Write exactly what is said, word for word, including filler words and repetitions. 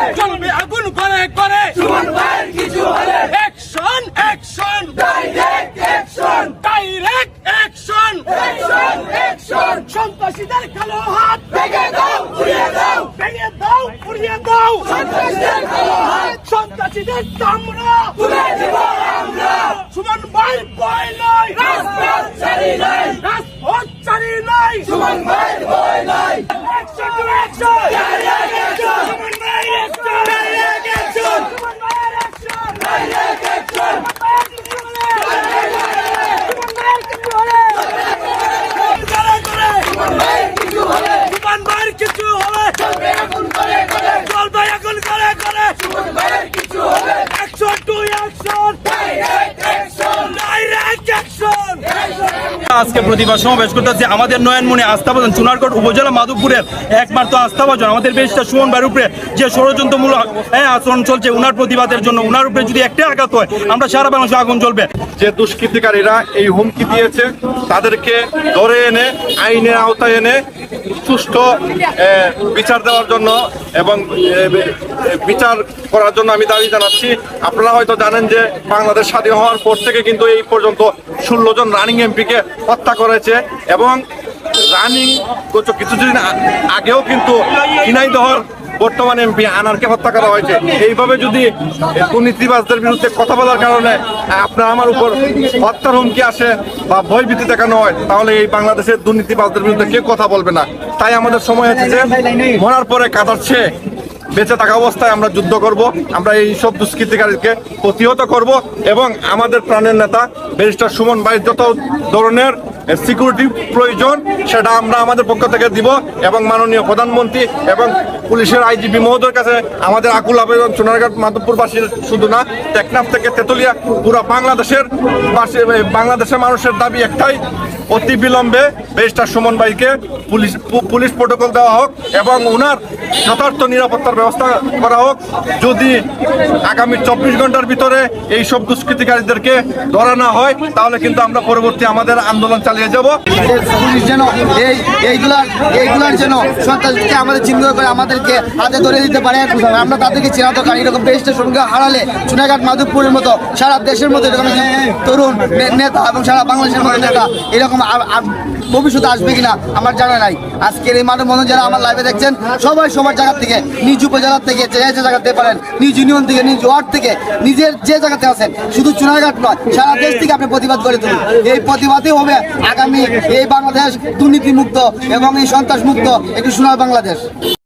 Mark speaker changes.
Speaker 1: জ্বলবে আগুন করে করে সুমন ভাইয়ের কিছু হলে action action direct action direct action action action সন্ত্রাসীদের কালো হাত ভেঙে দাও উড়িয়ে দাও ভেঙে দাও উড়িয়ে দাও সন্ত্রাসীদের কালো হাত সন্ত্রাসীদের চামড়া তুলে দিব আমরা সুমন ভাইয়ের ভয় নাই রাজপথ ছাড়ি নাই রাজপথ ছাড়ি নাই সুমন ভাইয়ের ভয় নাই action to action direct action Suman ভাইয়ের অ্যাকশন ডাইরেক্ট অ্যাকশন সুমন ভাইয়ের অ্যাকশন ডাইরেক্ট অ্যাকশন কিছু হলে চলবে আগুন করে করে চলবে আগুন করে করে সুমন ভাইয়ের কিছু হলে action to action direct action direct action.
Speaker 2: আজকে প্রতিবাদ সমাবেশ করতেছি আমাদের নয়নমণি আস্থাভাজন চুনারগড় উপজেলা মাধবপুরের একমাত্র আস্থাভাজন আমাদের বেশটা সুমন ভাইয়ের উপরে যে ষড়যন্ত্রমূলক হ্যাঁ আচরণ চলছে উনার প্রতিবাদের জন্য উনার উপরে যদি একটা আঘাত হয় আমরা সারা বাংলাদেশে আগুন জ্বলবে।
Speaker 3: যে দুষ্কৃতিকারীরা এই হুমকি দিয়েছে তাদেরকে ধরে এনে আইনের আওতায় এনে সুষ্ঠু বিচার দেওয়ার জন্য এবং বিচার করার জন্য আমি দাবি জানাচ্ছি। আপনারা হয়তো জানেন যে বাংলাদেশ স্বাধীন হওয়ার পর থেকে কিন্তু এই পর্যন্ত ষোলো জন রানিং এমপিকে হত্যা করেছে এবং রানিং কিছুদিন আগেও কিন্তু ঝিনাইদহের বর্তমান এমপি আনারকে হত্যা করা হয়েছে। এইভাবে যদি দুর্নীতিবাজদের বিরুদ্ধে কথা বলার কারণে আপনার আমার উপর হত্যার হুমকি আসে বা ভয়ভীতি দেখানো হয় তাহলে এই বাংলাদেশের দুর্নীতিবাজদের বিরুদ্ধে কেউ কথা বলবে না। তাই আমাদের সময় হচ্ছে যে মরার পরে কাঁদাচ্ছে বেঁচে থাকা অবস্থায় আমরা যুদ্ধ করব, আমরা এই সব দুষ্কৃতিকারীকে প্রতিহত করব এবং আমাদের প্রাণের নেতা ব্যারিস্টার সুমন ভাই যত ধরনের সিকিউরিটি প্রয়োজন সেটা আমরা আমাদের পক্ষ থেকে দিব এবং মাননীয় প্রধানমন্ত্রী এবং পুলিশের আইজিপি মহোদয়ের কাছে আমাদের আকুল আবেদন সোনারঘাট মাধবপুরবাসীর শুধু না টেকনাফ থেকে তেতুলিয়া পুরো বাংলাদেশের বাংলাদেশের মানুষের দাবি একটাই, অতি বিলম্বে ব্যারিস্টার সুমন ভাইকে পুলিশ পুলিশ প্রোটোকল দেওয়া হোক এবং ওনার যথার্থ নিরাপত্তার ব্যবস্থা করা হোক। যদি আগামী চব্বিশ ঘন্টার ভিতরে এই সব দুষ্কৃতিকারীদেরকে ধরা না হয় তাহলে কিন্তু আমরা পরবর্তী আমাদের আন্দোলন চালিয়ে যাব।
Speaker 4: পুলিশ যেন এই এইগুলার এইগুলার যেন সন্ত্রাসীকে আমাদের চিহ্নিত করে আমাদেরকে হাতে ধরে দিতে পারে, আমরা তাদেরকে চেনাতে পারি। এরকম ব্যারিস্টার সঙ্গে হারালে সোনারঘাট মাধবপুরের মতো সারা দেশের মতো এরকম তরুণ নেতা এবং সারা বাংলাদেশের মতো নেতা এরকম ভবিষ্যতে আসবে কিনা আমার জানা নাই। আজকের এই মানব বন্ধন যারা আমার লাইভে দেখছেন সবাই সবার জায়গা থেকে নিজ উপজেলার থেকে যে যে জায়গাতে পারেন, নিজ ইউনিয়ন থেকে, নিজ ওয়ার্ড থেকে, নিজের যে জায়গাতে আছেন, শুধু চুনারঘাট নয় সারা দেশ থেকে আপনি প্রতিবাদ করে তুলুন। এই প্রতিবাদই হবে আগামী এই বাংলাদেশ দুর্নীতিমুক্ত এবং এই সন্ত্রাস মুক্ত একটি সোনার বাংলাদেশ।